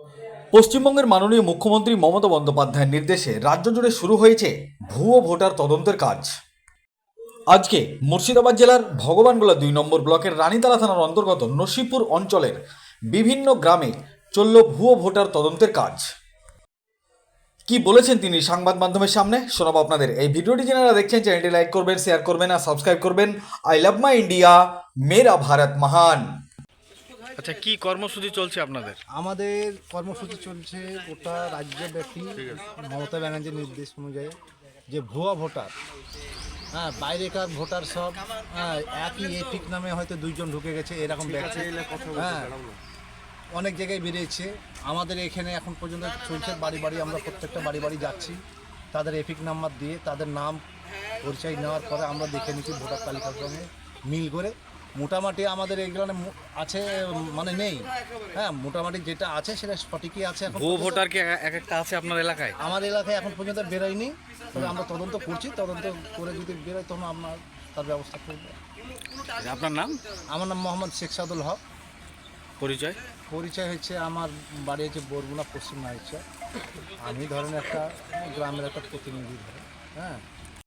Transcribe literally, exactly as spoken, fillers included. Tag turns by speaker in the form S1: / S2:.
S1: পশ্চিমবঙ্গের মাননীয় মুখ্যমন্ত্রী মমতা বন্দ্যোপাধ্যায়ের নির্দেশে রাজ্য জুড়ে শুরু হয়েছে ভুয়ো ভোটার তদন্তের কাজ। আজকে মুর্শিদাবাদ জেলার ভগবানগোলা দুই নম্বর ব্লকের রানীতলা থানার অন্তর্গত নসিপুর অঞ্চলের বিভিন্ন গ্রামে চলল ভুয়ো ভোটার তদন্তের কাজ। কি বলেছেন তিনি সংবাদ মাধ্যমের সামনে শোনাবো আপনাদের। এই ভিডিওটি যারা দেখছেন চ্যানেলটি লাইক করবেন, শেয়ার করবেন আর সাবস্ক্রাইব করবেন। আই লাভ মাই ইন্ডিয়া, মেরা ভারত মহান।
S2: আচ্ছা, কি কর্মসূচি চলছে আপনাদের?
S3: আমাদের কর্মসূচি চলছে গোটা রাজ্যব্যাপী মমতা ব্যানার্জির নির্দেশ অনুযায়ী যে ভুয়া ভোটার, হ্যাঁ বাইরেকার ভোটার সব, হ্যাঁ একই এপিক নামে হয়তো দুইজন ঢুকে গেছে এরকম ব্যক্তি, হ্যাঁ অনেক জায়গায় বেরিয়েছে। আমাদের এখানে এখন পর্যন্ত চলছে বাড়ি বাড়ি, আমরা প্রত্যেকটা বাড়ি বাড়ি যাচ্ছি, তাদের এপিক নাম্বার দিয়ে তাদের নাম পরিচয় নেওয়ার পরে আমরা দেখে নিচ্ছি ভোটার তালিকার সঙ্গে মিল করে। মোটামুটি আমাদের এইখানে আছে, মানে নেই, হ্যাঁ মোটামুটি যেটা আছে সেটা সঠিকই আছে। এখন
S2: ভুয়ো ভোটার কি এক একটা আছে আপনার এলাকায়?
S3: আমার এলাকায় এখন পর্যন্ত বেরোয়নি, তবে আমরা তদন্ত করছি, তদন্ত করে যদি বেরোয় তখন আমরা তার ব্যবস্থা করব।
S2: আপনার নাম?
S3: আমার নাম মোহাম্মদ শেখ সাদুল হক।
S2: পরিচয়?
S3: পরিচয় হচ্ছে আমার বাড়ি হচ্ছে বরগুনা পশ্চিম নাইচা। আমি ধরেন একটা গ্রামের একটা প্রতিনিধি ধরেন, হ্যাঁ